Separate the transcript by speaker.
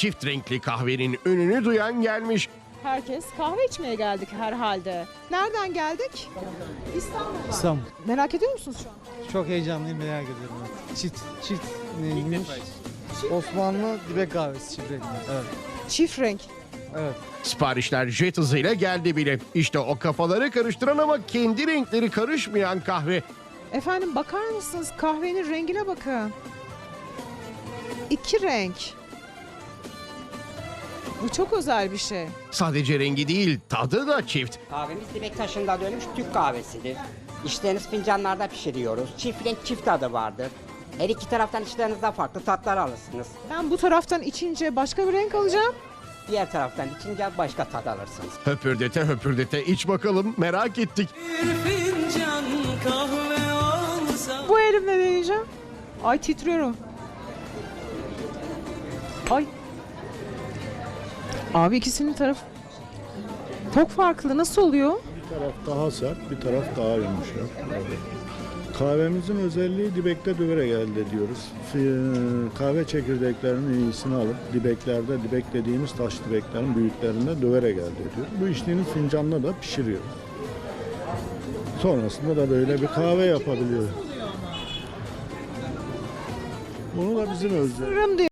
Speaker 1: çift renkli kahvenin ününü duyan gelmiş.
Speaker 2: Herkes kahve içmeye geldik herhalde. Nereden geldik? İstanbul'dan.
Speaker 3: İstanbul.
Speaker 2: Merak ediyor musunuz şu an?
Speaker 3: Çok heyecanlıyım, merak ediyorum. Çift neymiş? Osmanlı dibek kahvesi çift renkli. Evet.
Speaker 2: Çift renk.
Speaker 3: Evet.
Speaker 1: Siparişler jet hızıyla geldi bile. İşte o kafaları karıştıran ama kendi renkleri karışmayan kahve.
Speaker 2: Efendim bakar mısınız? Kahvenin rengine bakın. İki renk. Bu çok özel bir şey.
Speaker 1: Sadece rengi değil, tadı da çift.
Speaker 4: Kahvemiz dibek taşında dönmüş Türk kahvesidir. İçtiğiniz fincanlarda pişiriyoruz. Çift renk çift tadı vardır. Her iki taraftan içlerinizde farklı tatlar alırsınız.
Speaker 2: Ben bu taraftan içince başka bir renk alacağım.
Speaker 4: Diğer taraftan içince başka tat alırsınız.
Speaker 1: Höpürdete höpürdete iç bakalım, merak ettik.
Speaker 5: Fincan kahve olsa.
Speaker 2: Bu elimle deneyeceğim. Ay titriyorum. Ay. Abi ikisinin tarafı çok farklı. Nasıl oluyor?
Speaker 6: Bir taraf daha sert, bir taraf daha yumuşak. Kahvemizin özelliği dibekte döverek elde ediyoruz. Kahve çekirdeklerinin iyisini alıp dibeklerde, dibek dediğimiz taş dibeklerin büyüklerinde döverek elde ediyoruz. Bu içtiğiniz fincanla da pişiriyoruz. Sonrasında da böyle bir kahve yapabiliyoruz. Bunu da bizim özelliğimiz.
Speaker 2: Sırrım diyor.